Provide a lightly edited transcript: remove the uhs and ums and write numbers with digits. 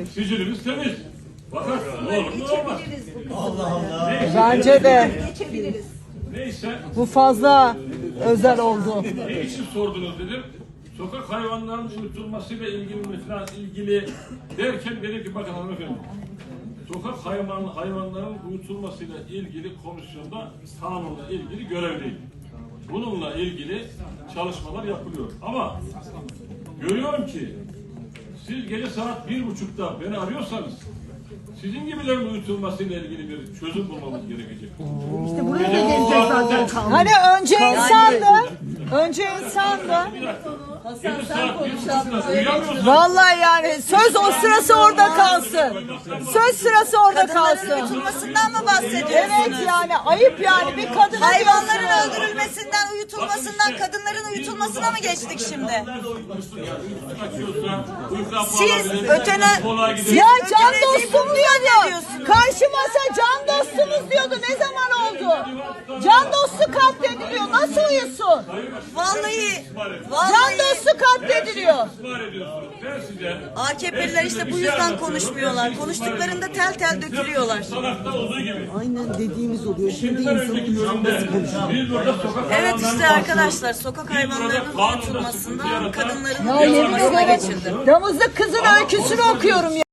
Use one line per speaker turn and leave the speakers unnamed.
Sicilimiz temiz. Fakat ne olur mu olmaz.
Allah Allah.
Neyse,
Bence de
neyse.
bu fazla özel oldu.
Ne için sordunuz dedim. Sokak hayvanlarının uyutulmasıyla ilgili derken dedim ki bakın hanımefendi. Sokak hayvanların uyutulmasıyla ilgili komisyonda kanunla ilgili görevliyim. Bununla ilgili çalışmalar yapılıyor. Ama görüyorum ki siz gece saat 1.30'da beni arıyorsanız sizin gibilerin uyutulmasıyla ilgili bir çözüm bulmamız gerekecek.
İşte buraya da geleceğiz zaten. Hani önce insandı. Önce insandı.
Hasan sen konuşalım.
Vallahi yani söz o sırası orada kalsın. Söz sırası orada kalsın.
Uyutulmasından mı bahsediyorsunuz?
Evet yani ayıp yani bir kadına
Hayvanların
diyorsunuz.
öldürülmesinden, uyutulmasından, kadınların uyutulmasına mı geçtik şimdi? Siz
Ya can dostum diyordu. Karşı masa can dostumuz diyordu. Ne zaman oldu? Can dostu katlediliyor. Nasıl uyusun?
vallahi
Can dostu katlediliyor.
AKP'liler işte bu yüzden konuşmuyorlar. Konuştuklarında tel tel dökülüyorlar.
Aynen dediğimiz oluyor. Şimdi insanın canlısı konuşuyor.
Evet işte arkadaşlar sokak hayvanlarının uyutulmasından kadınların
Ya yemin
uyutulmasına
ederim
geçildi.
damızlık kızın öyküsünü okuyorum ya.